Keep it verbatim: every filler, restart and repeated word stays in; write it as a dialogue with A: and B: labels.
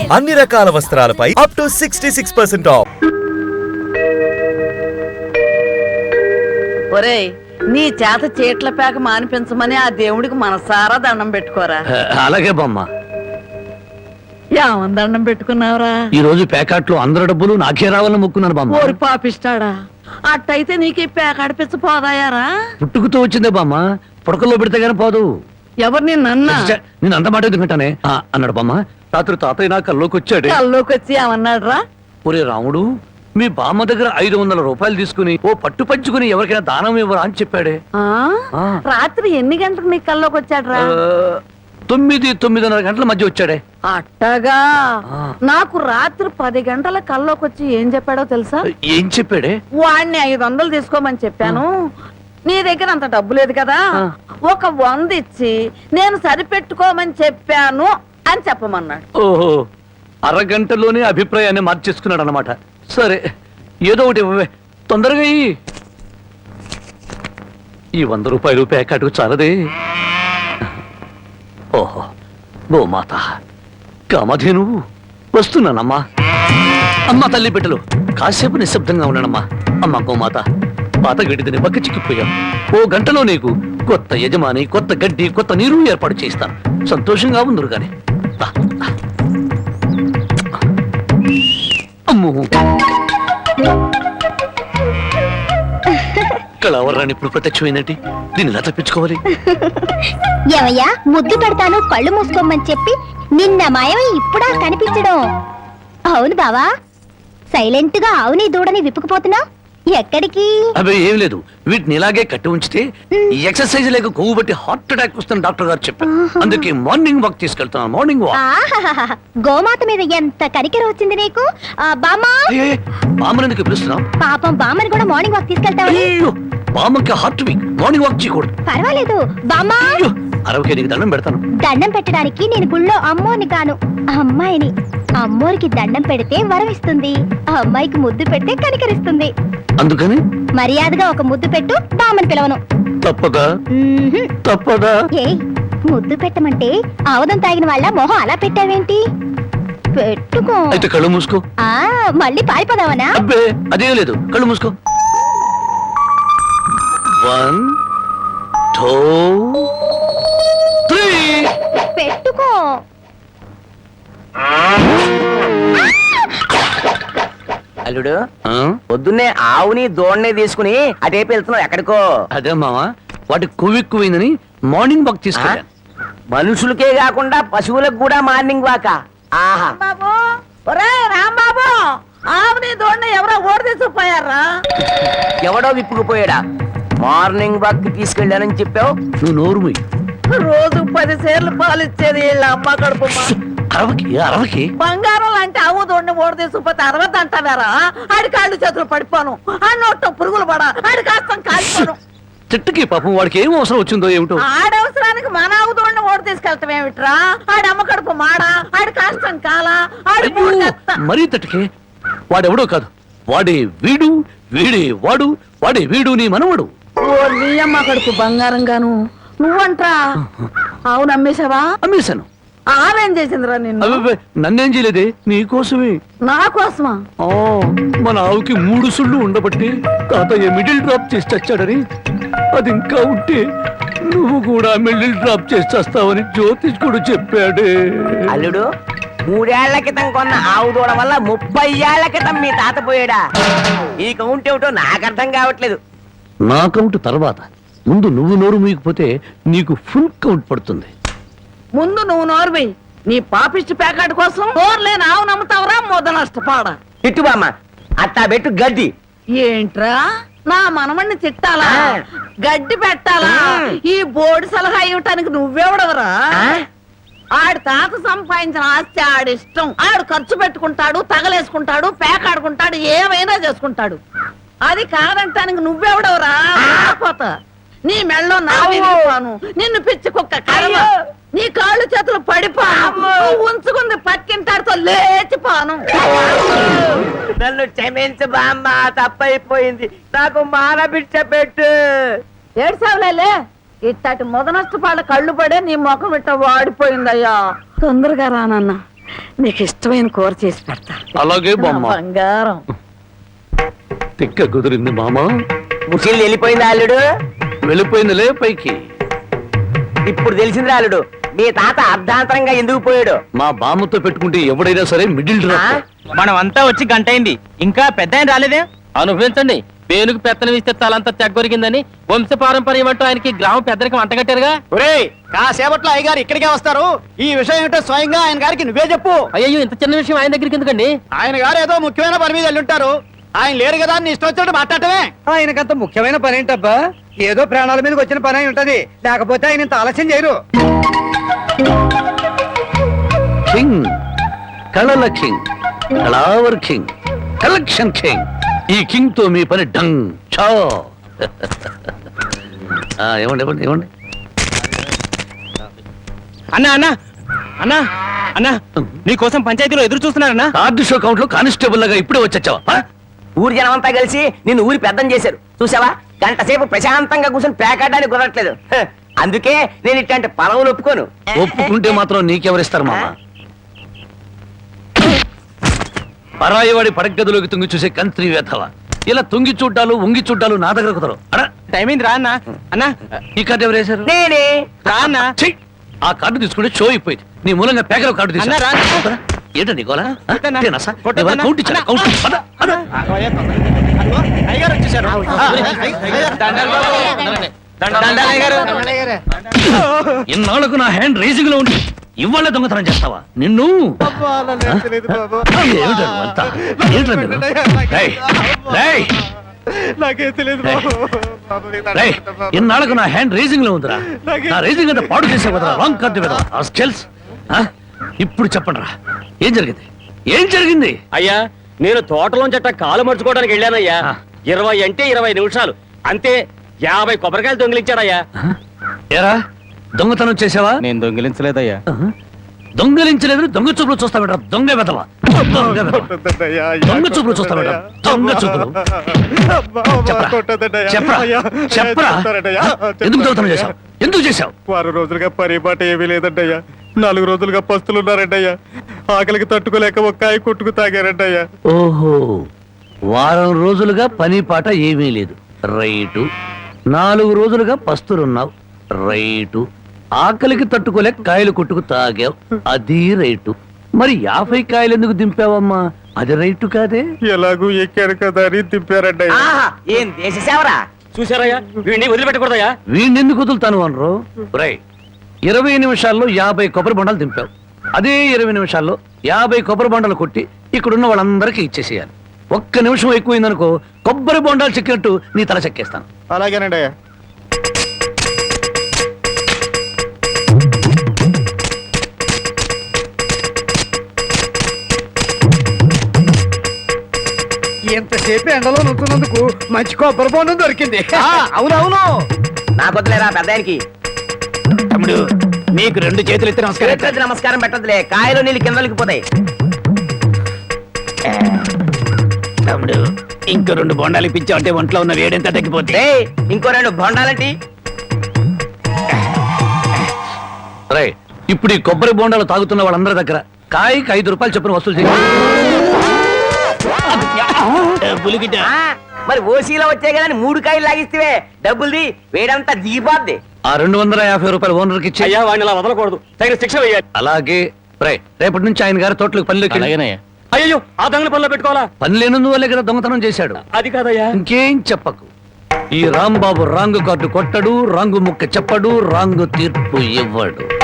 A: అన్ని రకాల వస్త్రాలపై up to sixty six percent off.
B: ఒరేయ్, నీ చేత చీట్ల పేక మానిపించమని ఆ దేవుడికి మనసారా దండం పెట్టుకోరా.
C: అలాగే బామ్మ.
B: ఏమని దండం పెట్టుకున్నావురా?
C: ఈ రోజు ప్యాకెట్లో అందరి డబ్బులు నాకే రావాలని మొక్కున్నాను బామ్మ.
B: ఓరి పాపిస్తాడా, అట్టయితే నీకు ఈ పేక అడిపించ పోదాయారా?
C: పుట్టుకుతో వచ్చిందే బామ్మ, పుడకల్లో పెడితే గానీ పోదు.
B: ఎవరు నిన్న
C: నేను అంత మాట ఎందుకంటానే అన్నాడు బామ్మ. రాత్రి తాతయ్య నా కల్లోకి వచ్చాడు.
B: కల్లోకి వచ్చి ఏమన్నాడు రా?
C: ఒరే రాముడు, మీ బామ్మ దగ్గర ఐదు వందల రూపాయలు తీసుకుని ఓ పట్టు పంచుకుని ఎవరికైనా దానం ఇవ్వరా అని చెప్పాడే.
B: రాత్రి ఎన్ని గంటలకు నీ కల్లోకి వచ్చాడు రా?
C: తొమ్మిది తొమ్మిదిన్నర గంటల మధ్య వచ్చాడే.
B: అట్టగా నాకు రాత్రి పది గంటల కల్లోకి వచ్చి ఏం చెప్పాడో తెలుసా?
C: ఏం చెప్పాడే?
B: వాడిని ఐదు వందలు తీసుకోమని చెప్పాను, నీ దగ్గర అంత డబ్బు లేదు కదా, ఒక వంద ఇచ్చి నేను సరిపెట్టుకోమని చెప్పాను అని చెప్పమన్నాడు.
C: ఓహో, అరగంటలోనే అభిప్రాయాన్ని మార్చేసుకున్నాడు అనమాట. సరే, ఏదో ఒకటి ఇవ్వవే, తొందరగా ఈ వంద రూపాయలు ప్యాకెట్కు చాలదే. ఓహో, గోమాత కామధేను వస్తున్నానమ్మా. అమ్మ తల్లి బిడ్డలు కాసేపు నిశ్శబ్దంగా ఉన్నానమ్మా. అమ్మ గోమాత, పాత గడ్డిని పక్క చిక్కిపోయాం. ఓ గంటలో నీకు కొత్త యజమాని, కొత్త గడ్డి, కొత్త నీరు ఏర్పాటు చేస్తాను. సంతోషంగా ఉందరు గాని. అమ్మో, కళావరాన్ని ఇప్పుడు ప్రత్యక్షమైనట్టి దీన్ని ఎలా తప్పించుకోవాలి?
D: ఏమయ్యా, ముద్దు పెడతాను కళ్ళు మూసుకోమని చెప్పి నిన్న మాయమై ఇప్పుడా కనిపించడం? అవును బావా, సైలెంట్ గా ఆవుని దూడని విప్పుకుపోతున్నా ఎక్కడికి?
C: అవి ఏం లేదు, వీటిని ఇలాగే కట్టి ఉంచితే ఈ ఎక్సర్సైజ్ లేక కొవ్వు బట్టి హార్ట్ అటాక్ వస్తుంది డాక్టర్ గారు చెప్పారు. అందుకే మార్నింగ్ వాక్ తీసుకెళ్తున్నాను. Morning walk.
D: గోమాత మీద ఎంత కనికెర వచ్చింది నీకు బామ్మా.
C: బామ్మని ఎందుకు పిలుస్తున్నావు?
D: పాపం బామ్మని కూడా మార్నింగ్ వాక్ తీసుకెళ్తావు.
C: బామ్మకి హార్ట్ వీక్, మార్నింగ్ వాక్ చేయకూడదు.
D: పర్వాలేదు బామ్మా,
C: అరవకే నీకు దండం పెడతాను.
D: దండం పెట్టడానికి నేను గుళ్ళో అమ్మోని కాను, అమ్మాయిని. అమ్మోరికి దండం పెడితే వరం ఇస్తుంది, ఆ అమ్మాయికి ముద్దు పెడితే కనికరిస్తుంది.
C: అందుకని
D: మర్యాదగా ఒక ముద్దు పెట్టు, బామ్మని పిలవను.
C: తప్పదా? తప్పదా?
D: ఏ ముద్దు పెట్టమంటే ఆవదం తాగిన వాళ్ళ మొహం అలా పెట్టావేంటి? పెట్టుకో.
C: అయితే కళ్ళు మూసుకో.
D: ఆ మళ్ళీ పారిపోదావనా?
C: అబ్బే అదే లేదు, కళ్ళు మూసుకో. One two three.
D: పెట్టుకో.
E: అల్లుడు, పొద్దున్నే ఆవుని దోణ్ణి తీసుకుని అటేపు వెళ్తున్నావు ఎక్కడికో?
C: అదే మావా, వాటి కొవ్వెక్కువైందని మార్నింగ్ వాక్ తీసుకెళ్ళా.
E: మనుషులకే కాకుండా పశువులకు కూడా మార్నింగ్ వాక? ఆహా.
B: బాబు, ఒరే రాంబాబు, ఆవుని దోణ్ణి ఎవరో ఓడి తీసుకుపోయారా?
E: ఎవడో విప్పుకుపోయాడా? మార్నింగ్ వాక్ తీసుకెళ్ళానని చెప్పావు.
C: నువ్వు నోరు మూయి.
B: రోజు పది సేర్లు పాలు ఇచ్చేది వీళ్ళ అమ్మ కడుపు.
C: అరవకి అరవకి
B: బంగారం లాంటి ఆవు దోడిని ఓడి తీసుకుపోతే అరవద్దు అంటారా? ఆడి కాళ్ళు చేతులు పడిపోను, ఆ నోట్లో పురుగులు పడా, ఆడి కాస్తం కాలిపోను.
C: చెట్టుకి పాపం వాడికి ఏం అవసరం వచ్చిందో ఏమిటో.
B: ఆడవసరానికి మన ఆవు దోడిని ఓడి తీసుకెళ్తాం ఏమిట్రా? ఆడి అమ్మ కడుపు మాడా, ఆడి కాస్తం కాలా, ఆడి
C: మరీ తట్టుకే. వాడెవడో కాదు, వాడే వీడు, వీడే వాడు, వాడే వీడు నీ మనవడు.
B: ఓ నీ అమ్మ కడుపు బంగారం గాను. నువ్వంట్రా ఆవు నమ్మేశావా?
C: అమ్మేశాను.
B: ఆవేం చేసిందిరా నిన్ను?
C: నన్నేం చేయలేదే, నీకోసమే.
B: నా కోసమా?
C: మన ఆవుకి మూడు సుళ్ళు ఉండబట్టి తాతయ్య మిడిల్ డ్రాప్ చేసి చచ్చాడని, అది ఇంకా ఉంటే నువ్వు కూడా మిడిల్ డ్రాప్ చేసి చేస్తావని జ్యోతిష్కుడు చెప్పాడే.
E: అల్లుడు, మూడేళ్ల క్రితం కొన్న ఆవు దూడ వల్ల ముప్పై ఏళ్ల క్రితం మీ తాత పోయాడా? ఈ కౌంట్ ఏమిటో నాకు అర్థం కావట్లేదు.
C: నా కౌంట్ తర్వాత, ముందు నువ్వు నోరు మూయకపోతే నీకు ఫుల్ కౌంట్ పడుతుంది.
B: ముందు నువ్వు నోరువి. నీ పాపిష్టి ప్యాకెట్ కోసం నోరులేని ఆవు నమ్ముతావరా? మొద నష్టపాడ.
E: తిట్టు బామ్మ, అట్టా పెట్టు గడ్డి.
B: ఏంట్రా నా మనమణ్ణి తిట్టాలా, గడ్డి పెట్టాలా? ఈ బోర్డు సలహా ఇవ్వటానికి నువ్వెవడవరా? ఆడి తాత సంపాదించిన ఆస్తి ఆడిష్టం. ఆడు ఖర్చు పెట్టుకుంటాడు, తగలేసుకుంటాడు, పేకాడుకుంటాడు, ఏమైనా చేసుకుంటాడు. అది కాదంటానికి నువ్వెవడవరా? పోతా నీ మెళ్ళో నా విరిగిపోను, నిన్ను పిచ్చి కుక్క కర్మ, నీ కాళ్ళు చేతులు పడిపోను, ఉంచుకుంది పక్కింటాడుతో లేచిపోను.
E: నన్ను క్షమించు బామ్మ, తప్పైపోయింది. నాకు మానబిడ్డ పెట్టు.
B: ఏడ్సావులే, ఇట్టటి మొద నష్టపాళ్ళ కళ్ళు పడే నీ ముఖం ఇట్ట వాడిపోయిందయ్యా. తొందరగా రానన్న, నీకు ఇష్టమైన కూర చేసి పెడతా
C: అలాగే
B: నా
C: బామ్మ.
B: బంగారం.
C: తిక్క కుదిరింది మామ.
E: ముసలి వెళ్ళిపోయింది అల్లుడు.
C: వెళ్ళిపోయిందిలే పైకి.
E: ఇప్పుడు తెలిసింది అల్లుడు మీ తాత అర్ధాంతరంగా ఎందుకు పోయాడు.
C: మా బామ్మతో పెట్టుకుంటే ఎవడైనా సరే మిడిల్
E: ఆ?
C: డ్రాప్.
F: మనం అంతా వచ్చి గంట అయింది ఇంకా పెద్ద ఆయన రాలేదే. అనుభవించండి, పేనుకు పెత్తనం ఇస్తే తలంతా తెగ్గొరిగిందని వంశ పారంపర్యం అంటూ ఆయనకి గ్రామ పెద్దరికి వంటగట్టారుగా.
G: ఒరేయ్ కాసేపట్లో అయ్యగారు ఇక్కడికే వస్తారు. ఈ విషయం ఏంటో స్వయంగా ఆయన గారికి నువ్వే చెప్పు.
F: అయ్యో ఇంత చిన్న విషయం ఆయన దగ్గరికి ఎందుకండి?
G: ఆయన గారు ఏదో ముఖ్యమైన పని మీద వెళ్ళుంటారు. ఆయన లేరు కదా అని ఇష్టం వచ్చినట్టు మాట్లాడటమే.
H: ఆయనకంత ముఖ్యమైన పని ఏంటబ్బా? ఏదో ప్రాణాల మీదకి వచ్చిన పని అయి ఉంటది, లేకపోతే ఆయన ఇంత ఆలస్యం చేయరు.
C: కింగ్, కళల కింగ్, కళావర్ కింగ్, కలెక్షన్ కింగ్. ఈ కింగ్ తో మీ పని డంగ్ చో. ఆ, ఇవ్వండి ఇవ్వండి ఇవ్వండి.
F: అన్నా అన్నా అన్నా అన్నా నీకోసం పంచాయతీలో ఎదురు చూస్తున్నారన్నా.
C: కార్డు షో కౌంట్ లో కానిస్టేబుల్ లాగా ఇప్పుడే వచ్చావా?
E: ఊరి జనం అంతా కలిసి నిన్ను ఊరి పెద్దం చేశారు చూసావా. గంట సేపు ప్రశాంతంగా కూర్చొని పేకాడడానికి కుదరట్లేదు. హ, అందుకే నేను ఇట్లాంటి పొలవులు ఒప్పుకోను.
C: ఒప్పుకుంటే మాత్రం నీకెవరిస్తారు మామ? పరాయి వాడి పడగదిలోకి తుంగి చూసే కంత్రి వేధవ. ఇలా తుంగి చూడ్డాలు ఉంగి చూడ్డాలు నా దగ్గర కుదరవు. అడా,
F: టైం అయింది రా అన్నా. అన్నా
C: ఈ కార్డు ఎవరు వేశారు?
E: నేనే
F: రా అన్నా.
C: ఛీ! ఆ కార్డు తీసుకుంటే షో అయిపోయింది. నీ మూలంగా పేకల కార్డు
F: అన్నా, రా.
C: తీసుకున్నా. ఏంటో నీకోలా?
F: కొట్టన్నా. కొట్టన్నా.
C: కౌంట్ ఇచ్చాను. కౌంట్. పద, పద.
G: అయ్యగారు వచ్చేసారు.
C: ఇన్నాళ్ళకు నా హ్యాండ్ రేసింగ్ లో ఉండి ఇవాళ దొంగతనం చేస్తావా? నిన్ను ఏమిటో అంతా? ఏంట్రా మీరు? రేయ్, రేయ్,
G: నాకేం తెలియదు
C: రేయ్, ఇన్నాళ్ళకు నా హ్యాండ్ రేసింగ్ లో ఉందిరా. నా రేసింగ్ అంటే పాడు చేసే కదా రాంగ్ కార్డు కదా. ఆ స్కెల్స్ ఇప్పుడు చెప్పండి రా, ఏం జరిగింది? ఏం జరిగింది?
F: అయ్యా నేను తోటలోంచట కాలు మర్చుకోవడానికి వెళ్ళానయ్యా.
C: ఆ.
F: ఇరవై అంటే ఇరవై నిమిషాలు అంతే. యాభై కొబ్బరికాయలు దొంగిలించాడయ్యా.
C: ఏరా దొంగతనం చేసావా?
F: నేను దొంగిలించలేదయ్యా.
C: దొంగలించలేదు. దొంగ చూపులు చూస్తా బెటర్. దొంగ వెదవా, దొంగ వెధవ. దొంగ చూపులు చూస్తా బెటర్. దొంగ చూపులు. చెప్పరా చెప్పరా చెప్పరా ఎందుకు దొంగతనం చేశావు? ఎందుకు చేశావు?
G: వారం రోజులుగా పరిపాట ఏమీ లేదంటయ్యా. నాలుగు రోజులుగా పస్తులున్నారంటయ్యా. ఆకలికి తట్టుకోలేక ఒక్కాయ కొట్టుకు తాగారంటయ్యా.
C: ఓహో, వారం రోజులుగా పని పాట ఏమీ లేదు. రైటు. నాలుగు రోజులుగా పస్తులున్నావు. రైటు. ఆకలికి తట్టుకోలేక కాయలు కొట్టుకు తాగావు. అది రైటు. మరి యాభై కాయలు ఎందుకు దింపావమ్మా? అది రైటు కాదే.
G: ఎలాగూ ఎక్కారు కదా అని దింపారంటయ్యా.
E: ఆహా ఏం దేశ సేవరా.
F: చూసారయ్యా, వీడిని వదిలిపెట్టకూడదయ్యా.
C: వీణెందుకు వదులుతాను అనరు? రై, ఇరవై నిమిషాల్లో యాభై కొబ్బరి బొండాలు దింపావు. అదే ఇరవై నిమిషాల్లో యాభై కొబ్బరి బొండాలు కొట్టి ఇక్కడున్న వాళ్ళందరికీ ఇచ్చేసేయాలి. ఒక్క నిమిషం ఎక్కువైందనుకో కొబ్బరి బొండాలు చెక్కినట్టు నీ తల చెక్కేస్తాను.
G: అలాగేనండి అయ్యా.
H: ఎంతసేపు ఎండలో నుంచున్నందుకు మంచి కొబ్బరి బొండం దొరికింది.
G: అవునవును.
E: నాకు వద్దులేరా పెద్ద ఆయనకి.
G: తమ్ముడు నీకు రెండు చేతులు ఎత్తి నమస్కారం.
E: చేతులెత్తి నమస్కారం పెట్టదులే, కాయలు నీళ్ళు కిందలకి పోతాయి.
G: తమ్ముడు ఇంకో రెండు బొండాలు ఇప్పించావు అంటే ఒంట్లో ఉన్న వేడెంత తగ్గిపోతే.
E: ఏయ్, ఇంకో రెండు బొండాలంటి.
C: రై, ఇప్పుడు ఈ కొబ్బరి బొండాలు తాగుతున్న వాళ్ళందరి దగ్గర కాయకి ఐదు రూపాయలు చొప్పున వసూలు చేయాలి.
G: పులిగిట
E: ఆ, మరి ఓసీలో వచ్చాయి కదా అని మూడు కాయలు లాగిస్తే డబ్బుల్ది వేడంతా దిగిపోద్ది.
C: ఆ రెండు వందల యాభై రూపాయలు ఓనర్కి ఇచ్చి.
F: అయ్యా వాడిని అలా వదలకూడదు, తగిన శిక్ష వేయాలి.
C: అలాగే. రై, రేపటి నుంచి ఆయన గారి తోటలకు పనిలోకి వెళ్ళు.
F: అయ్యో ఆ దొంగల పనిలో పెట్టుకోవాలా?
C: పని లేనందువల్లే కదా దొంగతనం చేశాడు.
F: అది కాదయ్యా.
C: ఇంకేం చెప్పకు. ఈ రాంబాబు రాంగు కార్డు కొట్టడు, రాంగు ముక్క చెప్పడు, రాంగు తీర్పు ఇవ్వడు.